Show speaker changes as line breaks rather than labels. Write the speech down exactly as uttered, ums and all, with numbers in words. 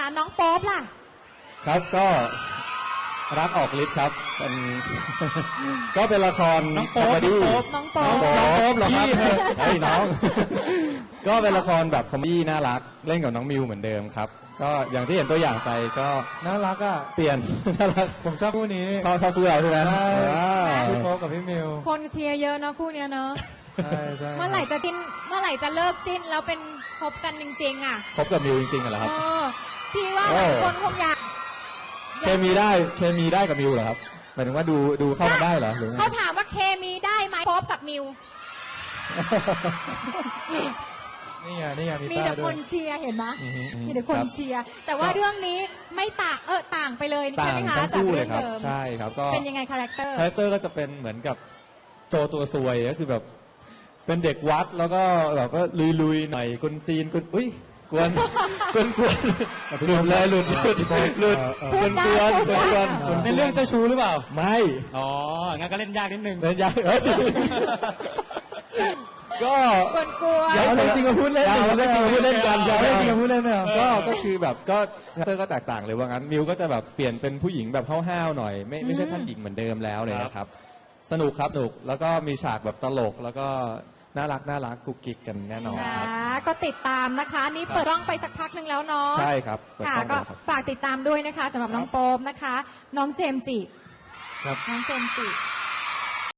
น้องโป๊ปล่ะ
ครับก็รักออกฤทธิ์ครับเป็นก็เป็นละคร
น้องโป๊ป
น้องโป๊ป
น้องโป๊ปเหรอครับไอ้น้องก็เป็นละครแบบคอมเมดี้น่ารักเล่นกับน้องมิวเหมือนเดิมครับก็อย่างที่เห็นตัวอย่างไปก็
น่ารักอ่ะ
เปลี่ยนน่ารัก
ผมชอบคู่นี้
ชอบชอบคู่เราใช่ไหม
ใช่พี่โป๊ปกับพี่มิว
คนเชียร์เยอะนะคู่เนี้ยเนอะ
ใช่ใช่
เมื่อไหร่จะจิ้นเมื่อไหร่จะเลิกจิ้นแล้วเป็นคบกันจริงๆอ่ะ
คบกับมิวจริงๆเหรอครับ
พี่ว่าหลายคนคงอยาก
เคมีได้เคมีได้กับมิวเหรอครับหมายถึงว่าดูดูเข้ากันได้เหรอหรือ
เขาถามว่าเคมีได้ไหมโป๊ปกับมิว
นี่ไงนี่ไง
มีแต่คนเชียร์เห็นไหมมีแต่คนเชียร์แต่ว่าเรื่องนี้ไม่ต่างเออต่างไปเลยใช่ไหมคะจากเรื่องเดิม
ใช่ครับก็
เป็นยังไงคาแรคเตอร์
คาแรคเตอร์ก็จะเป็นเหมือนกับโจตัวซวยก็คือแบบเป็นเด็กวัดแล้วก็แบบก็ลุยๆหน่อยกุนตีนกุนอุ้ยกวนกวนกวนหลุดเลยหลุดหลุดหลุดกวนกวนกวนกวน
เป็นเรื่องเจ้าชู้หรือเปล่า
ไม่
อ๋องั้นก็เล่นยากนิดนึง
เล่นยากก็
กวนกวน
เอาจริงมาพูดเล่น
เอาจริงมาพูดเล่นกัน
เอาจริงมาพูดเล่นไหม
ก็ก็คือแบบก็คาแรคเตอร์ก็แตกต่างเลยว่างั้นมิวก็จะแบบเปลี่ยนเป็นผู้หญิงแบบห้าวๆหน่อยไม่ไม่ใช่ท่านหญิงเหมือนเดิมแล้วเลยนะครับสนุกครับสนุกแล้วก็มีฉากแบบตลกแล้วก็น่ารักน่ารักกุ๊กกิ๊กกันแน่นอนครับ
ก็ติดตามนะคะนี่เปิดกล้องไปสักพักหนึ่งแล้วเนาะ
ใช่ครับ
ค่ะก็ฝากติดตามด้วยนะคะสำหรับน้องโป๊ปนะคะน้องเจมส์จิน้องเจมส์จิ